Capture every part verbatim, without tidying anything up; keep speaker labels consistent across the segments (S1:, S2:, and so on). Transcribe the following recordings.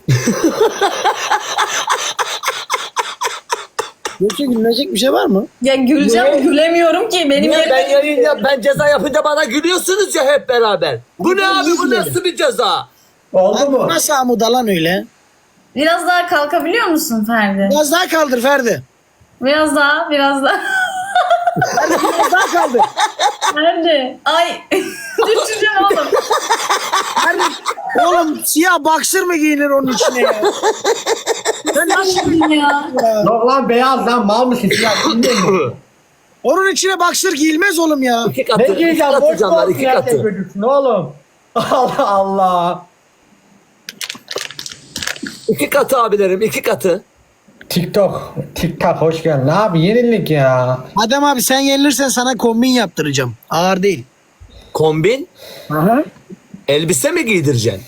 S1: Yoksa gülünecek bir şey var mı?
S2: Ya güleceğim,
S3: Niye?
S2: gülemiyorum ki. Benim
S3: Niye
S2: yerim-
S3: ben yayın yap, ben ceza yapınca bana gülüyorsunuz ya hep beraber. Bu
S1: Ama
S3: ne
S1: ben
S3: abi,
S1: iyi
S3: bu
S1: gülerim.
S3: nasıl bir ceza?
S4: Oldu mu?
S1: Nasıl amuda lan öyle?
S2: Biraz daha kalkabiliyor musun Ferdi?
S1: Biraz daha kaldır Ferdi.
S2: Biraz daha, biraz daha.
S1: Biraz daha kaldır.
S2: Ferdi. Ay. Düşeceğim oğlum.
S1: Ferdi. Oğlum siyah boxer mı giyinir onun içine ya?
S2: Ben nasıl ya?
S4: Yok lan beyaz lan mal mısın? Ya, bilmiyor musun?
S1: Onun içine boxer giyilmez oğlum ya.
S3: İki katı,
S4: Ne
S3: iki
S4: diyeceğim?
S3: katı
S4: Boş
S3: canlar,
S4: boş
S3: iki
S4: yerde
S3: katı.
S4: çocuksun oğlum. Allah Allah.
S3: İki katı abilerim, iki katı.
S4: TikTok. TikTok hoş geldin. Abi yenilik ya.
S1: Adem abi sen yenilirsen sana kombin yaptıracağım. Ağır değil.
S3: Kombin,
S1: Aha.
S3: elbise mi giydireceksin?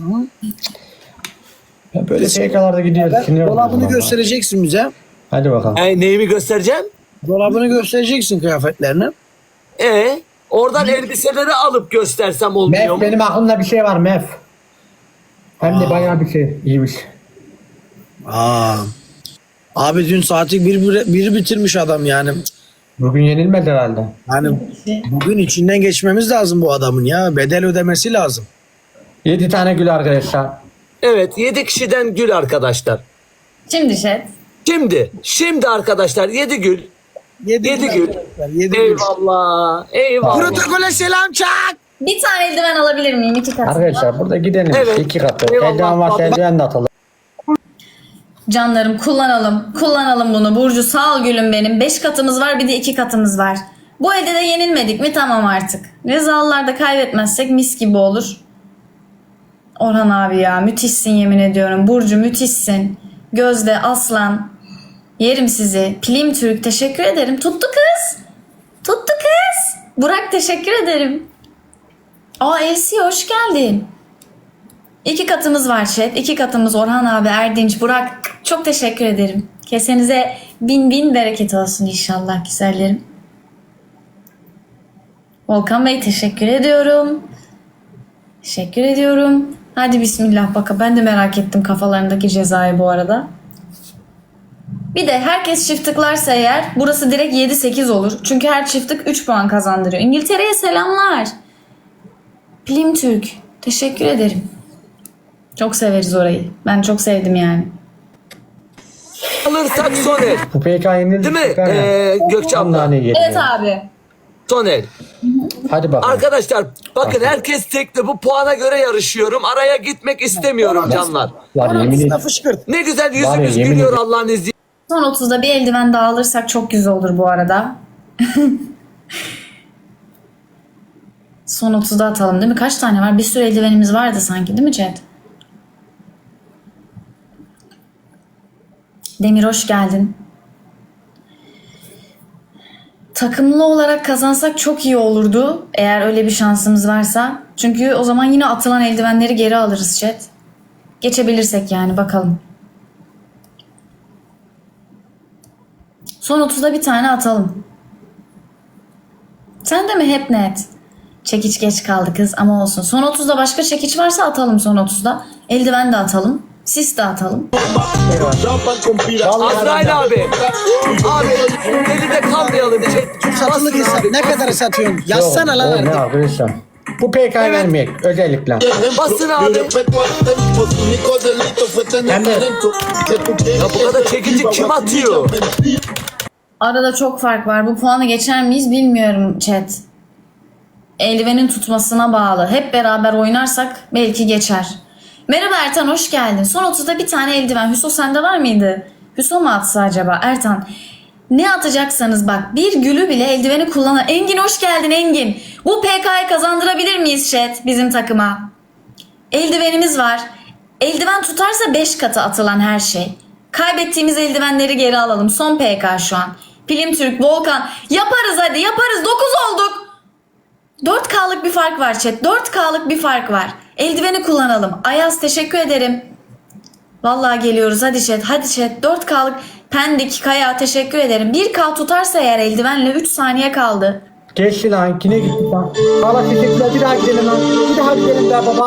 S4: Ya böyle şakalarda gidiyoruz. sinir oluyorum
S1: Dolabını
S4: ama.
S1: göstereceksin bize.
S4: Hadi bakalım.
S3: E, neyimi göstereceğim?
S1: Dolabını göstereceksin kıyafetlerini.
S3: E oradan elbiseleri alıp göstersem olmuyor
S4: Mef
S3: mu?
S4: benim aklımda bir şey var Mef. Hem de bayağı bir şey iyiymiş.
S1: Aa. Abi dün saati bir, bir, bir bitirmiş adam yani.
S4: Bugün yenilmedi herhalde.
S1: Yani bugün içinden geçmemiz lazım bu adamın ya. Bedel ödemesi lazım.
S4: Yedi tane gül arkadaşlar.
S3: Evet, yedi kişiden gül arkadaşlar.
S2: Şimdi şey.
S3: Şimdi, şimdi arkadaşlar yedi gül.
S1: Yedi,
S3: Yedi gül.
S1: arkadaşlar, Yedi gül.
S3: Eyvallah, eyvallah.
S1: Protokole selam çak.
S2: Bir tane eldiven alabilir miyim? İki kat.
S4: Arkadaşlar burada gidelim.
S3: Evet.
S4: İki katı.
S3: Eyvallah.
S4: Eldiven varsa eldiven de atalım.
S2: Canlarım kullanalım. Kullanalım bunu. Burcu sağ ol gülüm benim. Beş katımız var, bir de iki katımız var. Bu elde de yenilmedik mi? Tamam artık. Rezalılarda kaybetmezsek mis gibi olur. Orhan abi ya müthişsin yemin ediyorum. Burcu müthişsin. Gözde, Aslan. Yerim sizi. Pilim Türk teşekkür ederim. Tuttu kız. Tuttu kız. Burak teşekkür ederim. Aa Elsi hoş geldin. İki katımız var chat. İki katımız Orhan abi, Erdinç, Burak. Çok teşekkür ederim. Kesenize bin bin bereket olsun inşallah güzellerim. Volkan Bey teşekkür ediyorum. Teşekkür ediyorum. Hadi bismillah baka. Ben de merak ettim kafalarındaki cezayı bu arada. Bir de herkes çift tıklarsa eğer burası direkt yedi sekiz olur. Çünkü her çift tık üç puan kazandırıyor. İngiltere'ye selamlar. Pilim Türk. Teşekkür ederim. Çok severiz orayı. Ben çok sevdim yani.
S3: Alırsak son el.
S4: Bu P K yenildi.
S3: Değil mi?
S4: süper ya.
S3: Ee, Gökçe abla.
S4: Nane yedi
S2: Evet
S4: ya.
S2: abi.
S3: Son el.
S4: Hadi bakalım.
S3: Arkadaşlar bakın herkes tekli, bu puana göre yarışıyorum. Araya gitmek istemiyorum canlar.
S4: Var yemin
S1: Orasına
S4: ederim.
S1: fışkırt.
S3: Ne güzel
S4: Var ya,
S3: yüzümüz
S4: yemin
S3: gülüyor
S4: ederim.
S3: Allah'ın izniyle.
S2: Son otuzda bir eldiven daha alırsak çok güzel olur bu arada. Son otuzda atalım değil mi? Kaç tane var? Bir sürü eldivenimiz vardı sanki değil mi Chat? Demir hoş geldin. Takımlı olarak kazansak çok iyi olurdu. Eğer öyle bir şansımız varsa. Çünkü o zaman yine atılan eldivenleri geri alırız Chat. Geçebilirsek yani bakalım. Son otuzda bir tane atalım. Sen de mi hep net? Çekiç geç kaldı kız ama olsun. Son otuzda başka çekiç varsa atalım son otuzda. Eldiven de atalım. Sis de atalım.
S3: Azrail abi. Abi elinde kalmayalım. Çek.
S1: Satılık hesap. Ne kadar satıyorsun? Yazsana lan
S4: Yok, o ne
S1: artık.
S4: arkadaşlar? Bu P K
S3: Evet.
S4: vermeyek özellikle.
S3: Basın abi.
S4: Hem de
S3: Ya bu kadar çekici kim atıyor?
S2: Arada çok fark var. Bu puanı geçer miyiz bilmiyorum chat. Eldivenin tutmasına bağlı. Hep beraber oynarsak belki geçer. Merhaba Ertan hoş geldin. Son otuzda bir tane eldiven. Hüso sende var mıydı? Hüso mu atsa acaba? Ertan. Ne atacaksanız bak bir gülü bile eldiveni kullanın. Engin hoş geldin Engin. Bu P K'yı kazandırabilir miyiz chat bizim takıma? Eldivenimiz var. Eldiven tutarsa beş katı atılan her şey. Kaybettiğimiz eldivenleri geri alalım. Son P K şu an. Pilim Türk, Volkan. Yaparız hadi yaparız. dokuz olduk. dört K'lık bir fark var chat. dört K'lık bir fark var. Eldiveni kullanalım. Ayaz teşekkür ederim. Vallahi geliyoruz hadi chat. Hadi chat. dört K'lık Pendik, Kaya teşekkür ederim. bir K tutarsa eğer eldivenle üç saniye kaldı.
S4: geçti lan. Kine gitti lan. Valla teşekkürler. Bir daha gidelim lan. Bir daha gidelim be baba.